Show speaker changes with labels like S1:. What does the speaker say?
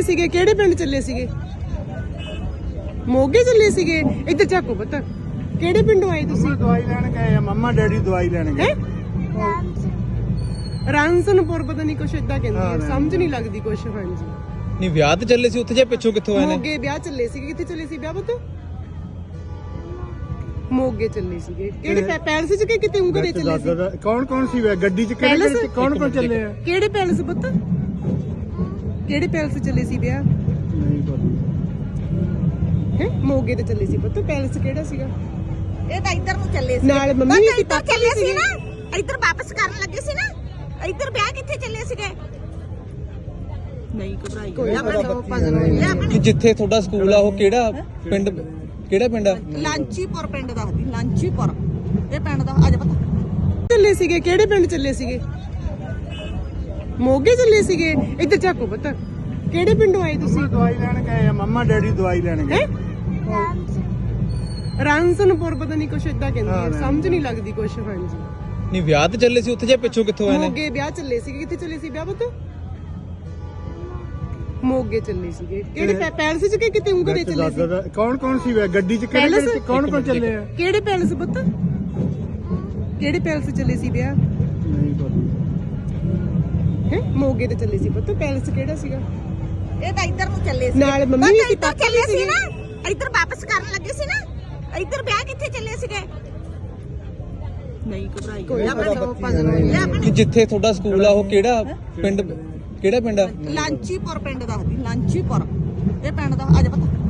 S1: ਸੀਗੇ? ਕਿਹੜੇ ਪਿੰਡ ਚੱਲੇ ਸੀਗੇ? ਮੋਗੇ ਚੱਲੇ ਸੀਗੇ? ਇੱਧਰ ਝਾਕੋ ਪੁੱਤ, ਕਿਹੜੇ ਪਿੰਡੋਂ ਆਏ ਤੁਸੀਂ?
S2: ਦਵਾਈ ਲੈਣ ਗਏ ਆ, ਮੰਮਾ ਡੈਡੀ ਦਵਾਈ ਲੈਣ ਗਏ।
S1: ਰਾਂਸਨਪੁਰ ਪਤਾ ਨਹੀਂ ਕੁਛ ਏਦਾਂ ਕਹਿੰਦੇ ਆ, ਸਮਝ ਨਹੀਂ ਲੱਗਦੀ ਕੁਛ। ਹਾਂਜੀ
S3: ਨਹੀਂ ਵਿਆਹ ਤੇ ਚੱਲੇ ਸੀ ਉੱਥੇ, ਜਾਂ ਪਿੱਛੋਂ ਕਿੱਥੋਂ ਆਏ ਨੇ?
S1: ਮੋਗੇ ਵਿਆਹ ਚੱਲੇ ਸੀਗੇ। ਕਿੱਥੇ ਚੱਲੇ ਸੀ ਵਿਆਹ ਪੁੱਤ? ਮੋਗੇ ਚੱਲੇ ਸੀਗੇ। ਕਿਹੜੇ ਪੈਲਸ ਚ ਕਿ ਕਿਤੇ ਉਂਗ ਦੇ ਚੱਲੇ ਸੀ?
S2: ਕੌਣ ਕੌਣ ਸੀ ਵੇ ਗੱਡੀ ਚ? ਕਿਹੜੇ ਕੌਣ ਕੌਣ ਚੱਲੇ ਆ?
S1: ਕਿਹੜੇ ਪੈਲਸ ਪੁੱਤ? ਕਿਹੜੇ ਪੈਲਸ ਚੱਲੇ ਸੀ ਵਿਆਹ?
S2: ਨਹੀਂ ਪਤਾ।
S1: ਹੈ ਮੋਗੇ ਤੇ ਚੱਲੇ ਸੀ ਪੁੱਤ। ਪੈਲਸ ਕਿਹੜਾ ਸੀਗਾ?
S4: ਇਹ ਤਾਂ ਇੱਧਰ ਨੂੰ ਚੱਲੇ ਸੀ,
S1: ਨਾਲ ਮੰਮੀ ਵੀ
S4: ਇੱਧਰ ਚੱਲੇ ਸੀ ਨਾ, ਇੱਧਰ ਵਾਪਸ ਕਰਨ ਲੱਗੇ ਸੀ ਨਾ। ਇੱਧਰ ਵਿਆਹ ਕਿੱਥੇ ਚੱਲੇ ਸੀਗੇ? ਨਹੀਂ ਘਬਰਾਈ
S3: ਕਿ ਜਿੱਥੇ ਤੁਹਾਡਾ ਸਕੂਲ ਆ ਉਹ ਕਿਹੜਾ ਪਿੰਡ? ਕਿਹੜਾ ਪਿੰਡ ਆ?
S4: ਲਾਂਚੀਪੁਰ ਪਿੰਡ ਦੱਸਦੀ, ਲਾਂਚੀਪੁਰ ਇਹ ਪਿੰਡ ਦਾ। ਅੱਜ ਪਤਾ
S1: ਚੱਲੇ ਸੀਗੇ? ਕਿਹੜੇ ਪਿੰਡ ਚੱਲੇ ਸੀਗੇ? ਮੋਗੇ ਚੱਲੇ ਸੀਗੇ? ਇੱਧਰ ਝਾਕੋ ਪੁੱਤ, ਕਿਹੜੇ ਪਿੰਡੋਂ ਆਏ ਤੁਸੀਂ?
S2: ਦਵਾਈ ਲੈਣ ਗਏ ਆ, ਮੰਮਾ ਡੈਡੀ ਦਵਾਈ ਲੈਣ ਗਏ।
S1: ਰਾਂਸਨਪੁਰ ਪਤਾ ਨਹੀਂ ਕੁਛ ਏਦਾਂ ਕਹਿੰਦੇ ਆ, ਸਮਝ ਨਹੀਂ ਲੱਗਦੀ ਕੁਛ। ਹਾਂਜੀ
S3: ਨਹੀਂ ਵਿਆਹ ਤੇ ਚੱਲੇ ਸੀ ਉੱਥੇ, ਜਾਂ ਪਿੱਛੋਂ ਕਿੱਥੋਂ ਆਏ ਨੇ?
S1: ਮੋਗੇ ਵਿਆਹ ਚੱਲੇ ਸੀਗੇ। ਕਿੱਥੇ ਚੱਲੇ ਸੀ ਵਿਆਹ ਪੁੱਤ? ਮੋਗੇ ਚੱਲੇ ਸੀਗੇ। ਕਿਹੜੇ ਪੈਲਸ ਚ ਕਿ ਕਿਤੇ ਉਂਗ ਦੇ ਚੱਲੇ ਸੀ?
S2: ਕੌਣ ਕੌਣ ਸੀ ਵੇ ਗੱਡੀ ਚ? ਕਿਹੜੇ ਕੌਣ ਕੌਣ ਚੱਲੇ ਆ?
S1: ਕਿਹੜੇ ਪੈਲਸ ਪੁੱਤ? ਕਿਹੜੇ ਪੈਲਸ ਚੱਲੇ ਸੀ ਵਿਆਹ?
S2: ਨਹੀਂ ਪਤਾ।
S1: ਹੈ ਮੋਗੇ ਤੇ ਚੱਲੇ ਸੀ ਪੁੱਤ। ਪੈਲਸ ਕਿਹੜਾ ਸੀਗਾ?
S4: ਇਹ ਤਾਂ ਇੱਧਰ ਨੂੰ ਚੱਲੇ ਸੀ,
S1: ਨਾਲ ਮੰਮੀ ਵੀ
S4: ਇੱਧਰ ਚੱਲੇ ਸੀ ਨਾ, ਇੱਧਰ ਵਾਪਸ ਕਰਨ ਲੱਗੇ ਸੀ ਨਾ। ਇੱਧਰ ਵਿਆਹ ਕਿੱਥੇ ਚੱਲੇ ਸੀਗੇ? ਨਹੀਂ ਘਬਰਾਈ
S3: ਕਿ ਜਿੱਥੇ ਤੁਹਾਡਾ ਸਕੂਲ ਆ ਉਹ ਕਿਹੜਾ ਪਿੰਡ? ਕਿਹੜਾ ਪਿੰਡ ਆ?
S4: ਲਾਂਚੀਪੁਰ ਪਿੰਡ ਦੱਸਦੀ, ਲਾਂਚੀਪੁਰ ਇਹ ਪਿੰਡ ਦਾ। ਅੱਜ ਪਤਾ